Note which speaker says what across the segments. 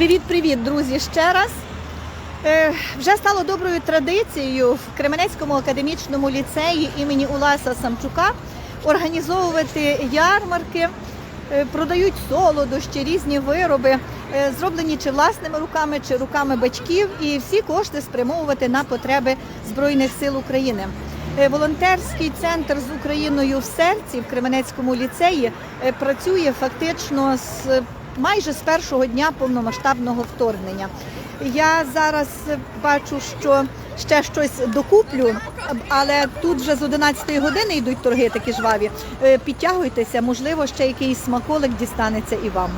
Speaker 1: Привіт, друзі, ще раз. Вже стало доброю традицією в Кременецькому академічному ліцеї імені Уласа Самчука організовувати ярмарки, продають солодощі, різні вироби, зроблені чи власними руками, чи руками батьків, і всі кошти спрямовувати на потреби Збройних сил України. Волонтерський центр з Україною в серці в Кременецькому ліцеї працює фактично майже з першого дня повномасштабного вторгнення. Я зараз бачу, що ще щось докуплю, але тут вже з 11-ї години йдуть торги такі жваві. Підтягуйтеся, можливо, ще якийсь смаколик дістанеться і вам.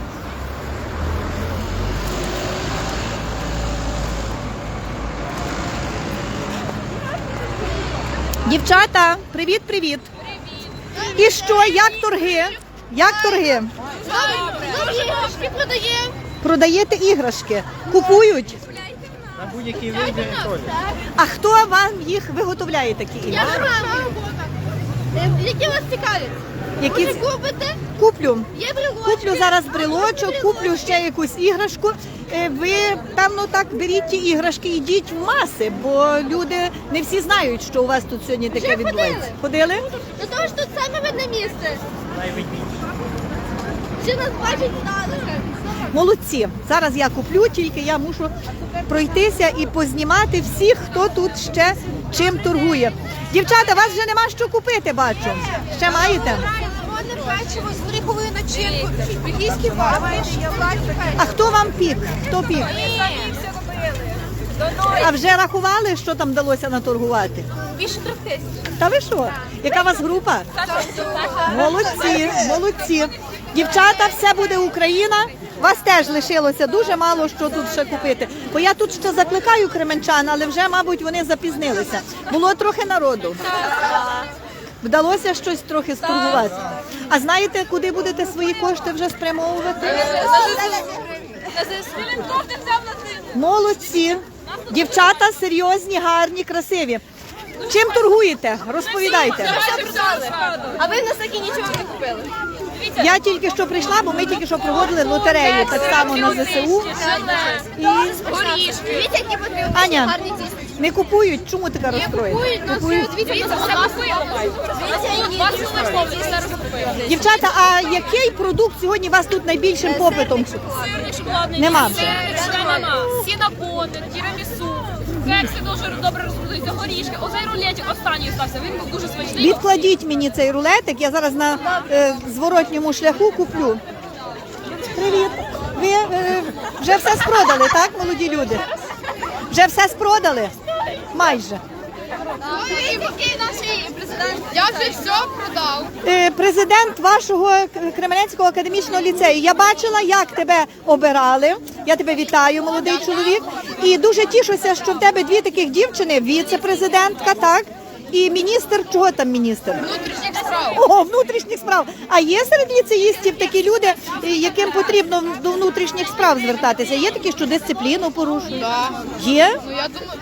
Speaker 1: Дівчата, привіт! Привіт! І що, як торги? Як торги?
Speaker 2: Іграшки продаємо.
Speaker 1: Продаєте іграшки? Купують?
Speaker 3: На будь-який вибір теж.
Speaker 1: А хто вам їх виготовляє, такі
Speaker 2: Я
Speaker 1: іграшки?
Speaker 2: робота. Які вас цікавлять?
Speaker 1: Які...
Speaker 2: Ви купите?
Speaker 1: Куплю.
Speaker 2: Є брелочки.
Speaker 1: Куплю зараз брелочок, куплю ще якусь іграшку. Ви, певно, так беріть ті іграшки, йдіть в маси, бо люди не всі знають, що у вас тут сьогодні таке
Speaker 2: Вже
Speaker 1: відбувається. Ходили?
Speaker 2: До того ж тут саме видне місце.
Speaker 3: Найвидніше.
Speaker 2: Всі нас бачать знали.
Speaker 1: Молодці. Зараз я куплю, тільки я мушу пройтися і познімати всіх, хто тут ще чим торгує. Дівчата, вас вже нема що купити, бачу. Ще маєте?
Speaker 2: Вони печиво з горіховою начинкою. Бельгійські вафлі.
Speaker 1: А хто вам пік? Хто пік? А вже рахували, що там вдалося наторгувати?
Speaker 2: Більше 3 тисяч.
Speaker 1: Та ви що? Яка у вас група? Молодці, молодці. Дівчата, все буде Україна. Вас теж лишилося дуже мало що тут ще купити. Бо я тут ще закликаю кременчан, але вже, мабуть, вони запізнилися. Було трохи народу. Вдалося щось трохи сторгувати. А знаєте, куди будете свої кошти вже спрямовувати? Молодці. Дівчата серйозні, гарні, красиві. Чим торгуєте? Розповідайте.
Speaker 2: А ви в нас таки нічого не купили?
Speaker 1: Я тільки що прийшла, бо ми тільки що проводили лотерею, так само на ЗСУ. І...
Speaker 2: Горішки. Дивіться, які потрібні.
Speaker 1: Аня,
Speaker 2: Гарні дійсно.
Speaker 1: не купують? Чому така розстроєна? Купують.
Speaker 2: Дивіться, все купили.
Speaker 1: Дівчата, а який продукт сьогодні у вас тут найбільшим попитом? Нема вже.
Speaker 4: Сінабони, тірамісу, кекси дуже добре розпродаються, горішки. Оцей рулетик останній стався, він був дуже смачний.
Speaker 1: Відкладіть мені цей рулетик, я зараз на зворотньому шляху куплю. Привіт. Ви вже все спродали, так, молоді люди? Вже все спродали? Майже.
Speaker 2: Я вже все продав.
Speaker 1: Президент вашого Кременецького академічного ліцею. Я бачила, як тебе обирали. Я тебе вітаю, молодий чоловік. І дуже тішуся, що в тебе дві таких дівчини, віце-президентка, так? І міністр, чого там міністр?
Speaker 2: Внутрішніх справ.
Speaker 1: О, внутрішніх справ. А є серед ліцеїстів такі люди, яким потрібно до внутрішніх справ звертатися? Є такі, що дисципліну порушують?
Speaker 2: Так.
Speaker 1: Є?
Speaker 2: Ну я думаю,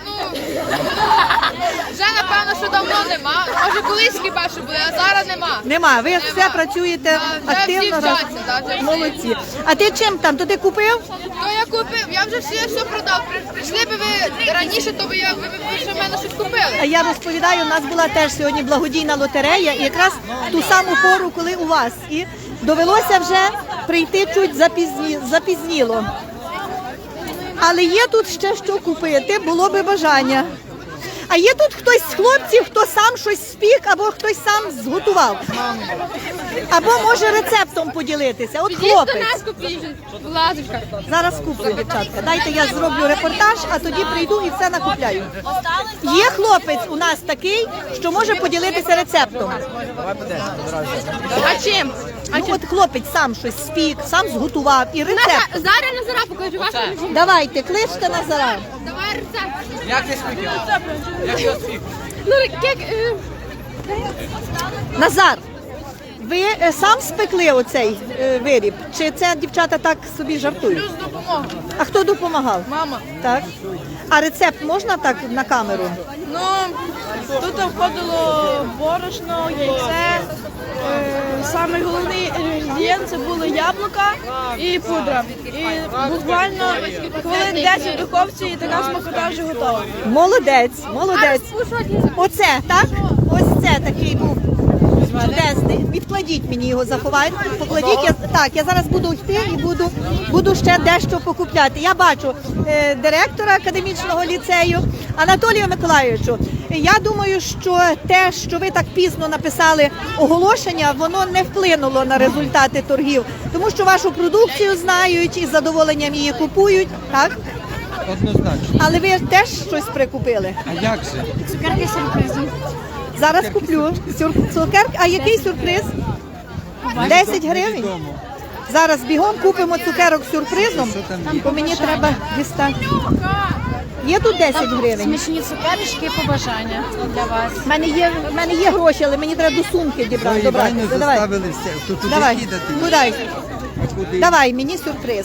Speaker 2: вже напевно, що давно нема. Може колись хіба що були, а зараз нема.
Speaker 1: Нема. Ви все працюєте
Speaker 2: Вже всі
Speaker 1: активно.
Speaker 2: вчаться, так, вже всі.
Speaker 1: Молодці. А ти чим там? То ти купив?
Speaker 2: То я купив, я вже все продав. Прийшли би ви раніше, то ви ще в мене щось купили.
Speaker 1: А я розповідаю, у нас була теж сьогодні благодійна лотерея, і якраз в ту саму пору, коли у вас. І довелося вже прийти чуть запізніло. Але є тут ще що купити, було би бажання. А є тут хтось з хлопців, хто сам щось спік, або хтось сам зготував? Або може рецептом поділитися. От хлопець.
Speaker 2: Лазочка.
Speaker 1: Зараз куплю, дівчатка. Дайте я зроблю репортаж, а тоді прийду і все накупляю. Є хлопець у нас такий, що може поділитися рецептом.
Speaker 2: А чим?
Speaker 1: Ну, от хлопець сам щось спік, сам зготував і рецепт.
Speaker 2: Зараз Назара покажу вас.
Speaker 1: Давайте, кличте Назара.
Speaker 2: Давай рецепт.
Speaker 3: Як ти спіків? Як я спік?
Speaker 2: Ну, як...
Speaker 1: Назар, ви сам спекли оцей виріб? Чи це дівчата так собі жартують?
Speaker 2: Плюс допомога.
Speaker 1: А хто допомагав?
Speaker 2: Мама.
Speaker 1: Так. А рецепт можна так на камеру?
Speaker 2: Ну, тут входило
Speaker 5: борошно, яйце. Самий головний інгредієнт це були яблука і пудра. І буквально хвилин 10 в духовці і така смакота вже готова.
Speaker 1: Молодець, молодець. Оце, так? Ось це такий був чудесний. Відкладіть мені його, заховайте. Покладіть. Я зараз буду йти і буду ще дещо покупляти. Я бачу директора академічного ліцею Анатолію Миколайовичу. Я думаю, що те, що ви так пізно написали оголошення, воно не вплинуло на результати торгів, тому що вашу продукцію знають і з задоволенням її купують, так?
Speaker 3: Однозначно.
Speaker 1: Але ви теж щось прикупили?
Speaker 3: А як же?
Speaker 5: Цукерки сюрпризи.
Speaker 1: Зараз куплю. Цукерки. А який сюрприз? 10 гривень?
Speaker 3: Невідомо.
Speaker 1: Зараз бігом купимо цукерок з сюрпризом,
Speaker 3: Що там є?
Speaker 1: бо мені треба дістати. Є тут 10 гривень?
Speaker 5: Смачні цукерочки і побажання для вас.
Speaker 1: У мене є гроші, але мені треба до сумки дібрати.
Speaker 3: Ой,
Speaker 1: Добре,
Speaker 3: Іваню
Speaker 1: давай.
Speaker 3: заставили все. То туди
Speaker 1: Давай.
Speaker 3: кидати.
Speaker 1: Куди?
Speaker 3: А куди?
Speaker 1: Давай, мені сюрприз.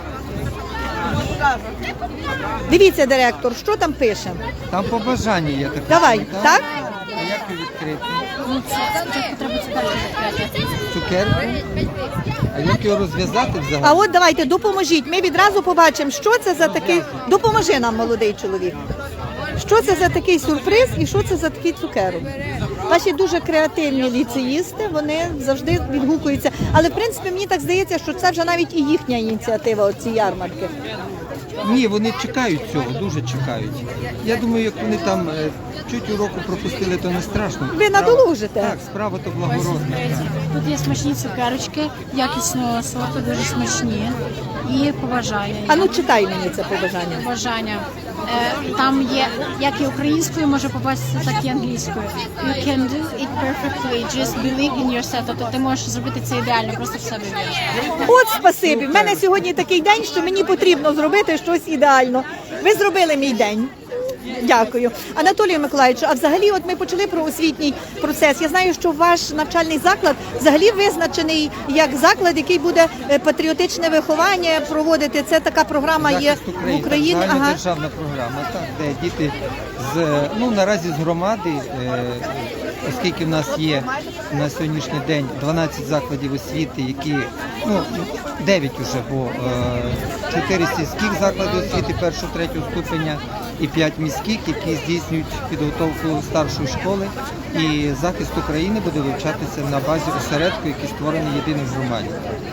Speaker 1: Дивіться, директор, що там пише?
Speaker 3: Там побажання є таке.
Speaker 1: Давай, так?
Speaker 3: А як його відкрити?
Speaker 5: Спочатку треба цукерки відкрити.
Speaker 3: Цукерку? А як його розв'язати
Speaker 1: А
Speaker 3: взагалі?
Speaker 1: от давайте, допоможіть. Ми відразу побачимо, що це за такий... Допоможи нам, молодий чоловік. Що це за такий сюрприз і що це за такий цукерок? Ваші дуже креативні ліцеїсти, вони завжди відгукуються. Але, в принципі, мені так здається, що це вже навіть і їхня ініціатива, оці ярмарки.
Speaker 3: Ні, вони чекають цього, дуже чекають. Я думаю, як вони там чуть уроку пропустили, то не страшно.
Speaker 1: Ви надолужите.
Speaker 3: Так, справа то благородна.
Speaker 5: Тут є смачні цукерочки, якісного сорту, дуже смачні. І побажання.
Speaker 1: А ну читай мені це побажання.
Speaker 5: Побажання. Там є як і українською може побачитися, так і англійською. You can do it perfectly, just believe in yourself. Тобто ти можеш зробити це ідеально, просто в себе віриш.
Speaker 1: От спасибі. В мене сьогодні такий день, що мені потрібно зробити щось ідеально. Ви зробили мій день. Дякую. Анатолію Миколаївичу, а взагалі от ми почали про освітній процес. Я знаю, що ваш навчальний заклад взагалі визначений як заклад, який буде патріотичне виховання проводити. Це така програма є
Speaker 3: Захист
Speaker 1: в
Speaker 3: України,
Speaker 1: Україні.
Speaker 3: так,
Speaker 1: Ага.
Speaker 3: загальнодержавна програма, так, де діти наразі з громади, оскільки в нас є на сьогоднішній день 12 закладів освіти, які, 9 уже, бо 4 сільських заклади освіти першого, третього ступеня і 5 міських, які здійснюють підготовку старшої школи. І захист України буде вивчатися на базі осередку, який створений єдиний в громаді.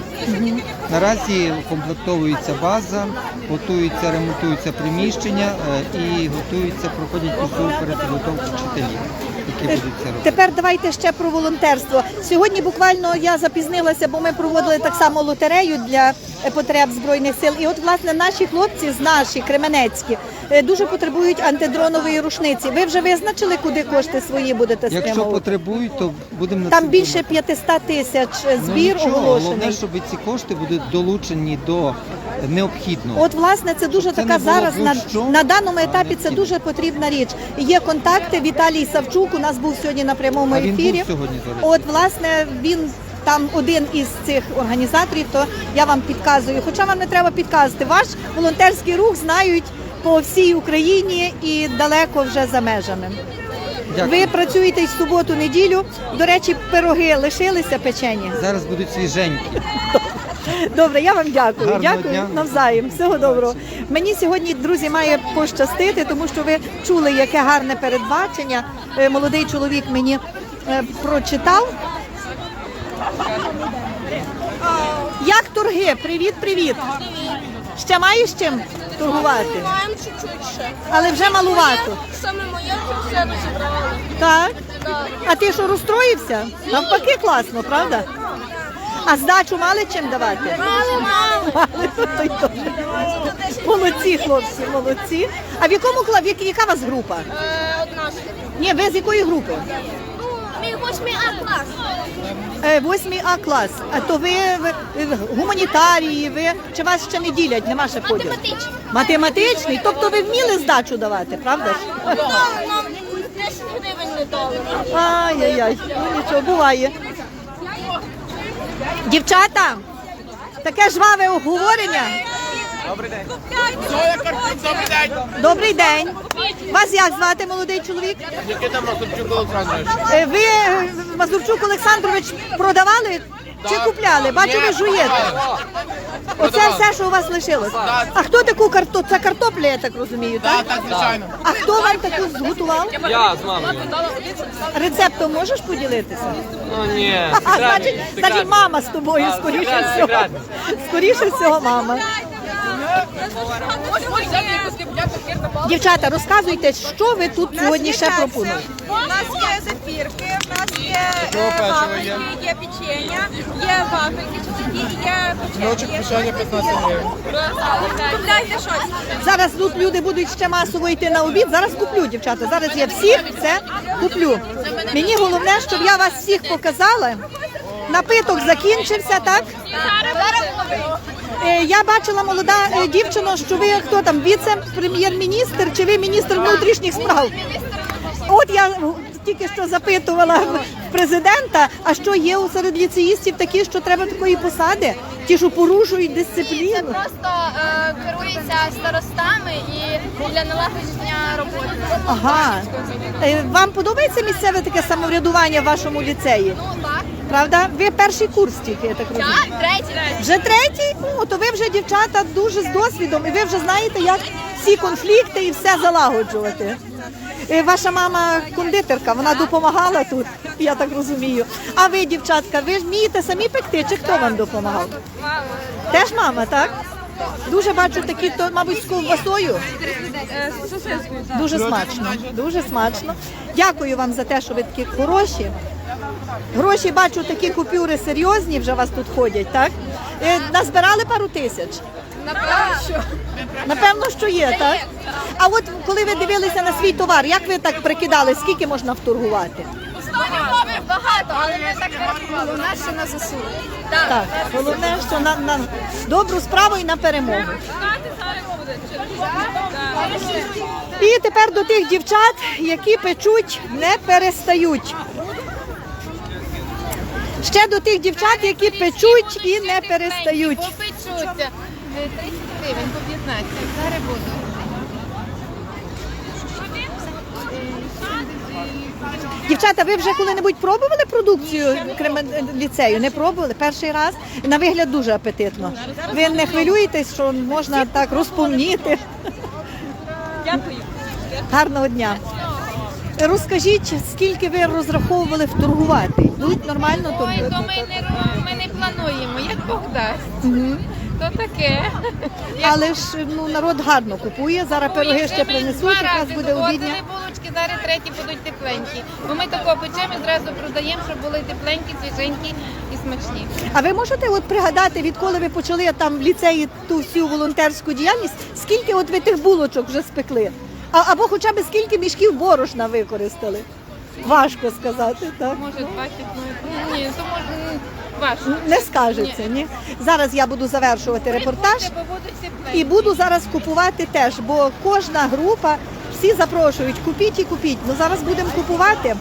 Speaker 3: Наразі укомплектовується база, готуються, ремонтуються приміщення і готуються, проходять курсову перепідготовку вчителів, які будуть це робити.
Speaker 1: Тепер давайте ще про волонтерство. Сьогодні буквально я запізнилася, бо ми проводили так само лотерею для потреб Збройних сил. І от, власне, наші хлопці з наші, кременецькі, дуже потребують антидронової рушниці. Ви вже визначили, куди кошти свої будете
Speaker 3: Якщо
Speaker 1: спрямовувати?
Speaker 3: потребують, то будемо на
Speaker 1: Там
Speaker 3: це
Speaker 1: більше
Speaker 3: думати.
Speaker 1: 500 тисяч збір
Speaker 3: Нічого, головне,
Speaker 1: оголошений.
Speaker 3: щоб ці кошти будуть долучені до необхідного.
Speaker 1: От, власне, це дуже
Speaker 3: Щоб це
Speaker 1: така
Speaker 3: не було
Speaker 1: зараз
Speaker 3: будь-що,
Speaker 1: на даному
Speaker 3: а
Speaker 1: етапі це
Speaker 3: необхідно.
Speaker 1: дуже потрібна річ. Є контакти. Віталій Савчук у нас був сьогодні на прямому
Speaker 3: А він був
Speaker 1: ефірі.
Speaker 3: сьогодні, до речі?
Speaker 1: От, власне, він там один із цих організаторів, то я вам підказую. Хоча вам не треба підказувати. Ваш волонтерський рух знають по всій Україні і далеко вже за межами.
Speaker 3: Дякую.
Speaker 1: Ви працюєте й в суботу-неділю. До речі, пироги лишилися печені.
Speaker 3: Зараз будуть свіженькі.
Speaker 1: Добре, я вам дякую.
Speaker 3: Гарного
Speaker 1: Дякую
Speaker 3: дня.
Speaker 1: навзаєм. Всього доброго. Мені сьогодні, друзі, має пощастити, тому що ви чули, яке гарне передбачення. Молодий чоловік мені прочитав. Як торги? Привіт, привіт. Ще маєш чим торгувати?
Speaker 2: Маємо чуть-чуть ще.
Speaker 1: Але вже малувато.
Speaker 2: Саме моє все розібрали.
Speaker 1: Так? А ти що, розстроївся? Навпаки, класно, правда? А здачу мали чим давати?
Speaker 2: Мало.
Speaker 1: Мали. Молодці, хлопці, молодці. А в якому класі, яка у вас група?
Speaker 2: Одна ж.
Speaker 1: Ні, ви з якої групи?
Speaker 2: Мій 8 клас.
Speaker 1: 8 А клас. А то ви гуманітарії, ви чи вас ще не ділять, нема ще поділу?
Speaker 2: Математичний.
Speaker 1: Математичний? Тобто ви вміли здачу давати, правда ж?
Speaker 2: Нам 10 гривень не дали.
Speaker 1: Ай-яй-яй, ну нічого, буває. Дівчата, таке жваве обговорення.
Speaker 3: Добрий день.
Speaker 1: Добрий день. Вас як звати, молодий чоловік?
Speaker 3: Нікита Прокопчук Олександрович.
Speaker 1: Ви Мазурчук Олександрович продавали чи купляли? Бачу, ви жуєте. Оце все, що у вас лишилось. А хто таку картоплю? Це картопля, я так розумію, так?
Speaker 6: Так, звичайно.
Speaker 1: А хто вам таку зготував?
Speaker 7: Я з мамою.
Speaker 1: Рецептом можеш поділитися?
Speaker 7: Ну ні,
Speaker 1: Значить, мама з тобою, скоріше всього. Скоріше всього, мама. Дівчата, розказуйте, що ви тут сьогодні ще пропонуєте?
Speaker 8: У нас є зефірки, у нас є вафельки, є печення, є вафельки, є печення.
Speaker 6: 15 гривень.
Speaker 8: Купляйте щось.
Speaker 1: Зараз тут люди будуть ще масово йти на обід. Зараз куплю, дівчата. Зараз я всіх це куплю. Мені головне, щоб я вас всіх показала. Напиток закінчився, так? Я бачила, молода дівчина, що ви хто там, віце-прем'єр-міністр чи ви міністр внутрішніх справ? От я тільки що запитувала президента, а що є серед ліцеїстів такі, що треба такої посади? Ті, що порушують дисципліну?
Speaker 2: Просто керується старостами і для налагодження роботи.
Speaker 1: Ага. Вам подобається місцеве таке самоврядування в вашому ліцеї?
Speaker 2: Ну так.
Speaker 1: Правда? Ви перший курс тільки, я так розумію.
Speaker 2: Так, третій.
Speaker 1: Вже третій? Ну, то ви вже, дівчата, дуже з досвідом, і ви вже знаєте, як всі конфлікти і все залагоджувати. Ваша мама кондитерка, вона допомагала тут, я так розумію. А ви, дівчатка, ви ж вмієте самі пекти, чи хто вам допомагав? Теж мама, так? Дуже бачу такі, то, мабуть, з ковбасою. Дуже смачно, дуже смачно. Дякую вам за те, що ви такі хороші. Гроші, бачу, такі купюри серйозні вже у вас тут ходять, так? Назбирали пару тисяч? Напевно, що є, так? А от коли ви дивилися на свій товар, як ви так прикидали, скільки можна вторгувати?
Speaker 2: Багато, але ми так не рахували. У нас ще на ЗСУ.
Speaker 1: Так, головне, що на добру справу і на перемогу. І тепер до тих дівчат, які печуть, не перестають. Ще до тих дівчат, які печуть і не перестають.
Speaker 2: Попечуть. 30 гривень по 15. Зараз буду.
Speaker 1: Дівчата, ви вже коли-небудь пробували продукцію ліцею? Не пробували? Перший раз? На вигляд дуже апетитно. Ви не хвилюєтесь, що можна так розповніти?
Speaker 4: Дякую.
Speaker 1: Гарного дня. Розкажіть, скільки ви розраховували вторгувати? Йдуть нормально?
Speaker 2: Ой, то ми не плануємо, як Бог дасть. То таке.
Speaker 1: Але ж ну, народ гарно купує, зараз пироги ще принесуть, якраз буде обідня.
Speaker 2: Булочки, зараз треті будуть тепленькі. Бо ми тако печемо і зразу продаємо, щоб були тепленькі, свіженькі і смачні.
Speaker 1: А ви можете от пригадати, відколи ви почали там в ліцеї ту всю волонтерську діяльність, скільки от ви тих булочок вже спекли? Або хоча б скільки мішків борошна використали? Важко сказати, так?
Speaker 2: Може 20, ні, то може важко.
Speaker 1: Не скажеться, ні? Зараз я буду завершувати репортаж
Speaker 2: Бо будуть тепленькі.
Speaker 1: і буду зараз купувати теж, бо кожна група, всі запрошують, купіть і купіть. Ну зараз будемо купувати.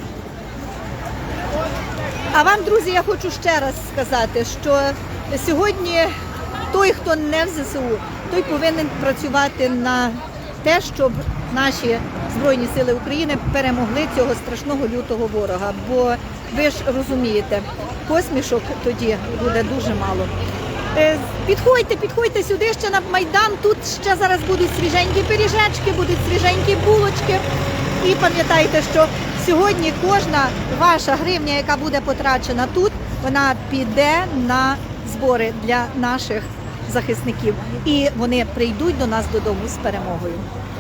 Speaker 1: А вам, друзі, я хочу ще раз сказати, що сьогодні той, хто не в ЗСУ, той повинен працювати на те, щоб наші Збройні Сили України перемогли цього страшного лютого ворога. Бо ви ж розумієте, посмішок тоді буде дуже мало. Підходьте сюди ще на Майдан, тут ще зараз будуть свіженькі пиріжечки, будуть свіженькі булочки. І пам'ятайте, що сьогодні кожна ваша гривня, яка буде потрачена тут, вона піде на збори для наших захисників. І вони прийдуть до нас додому з перемогою.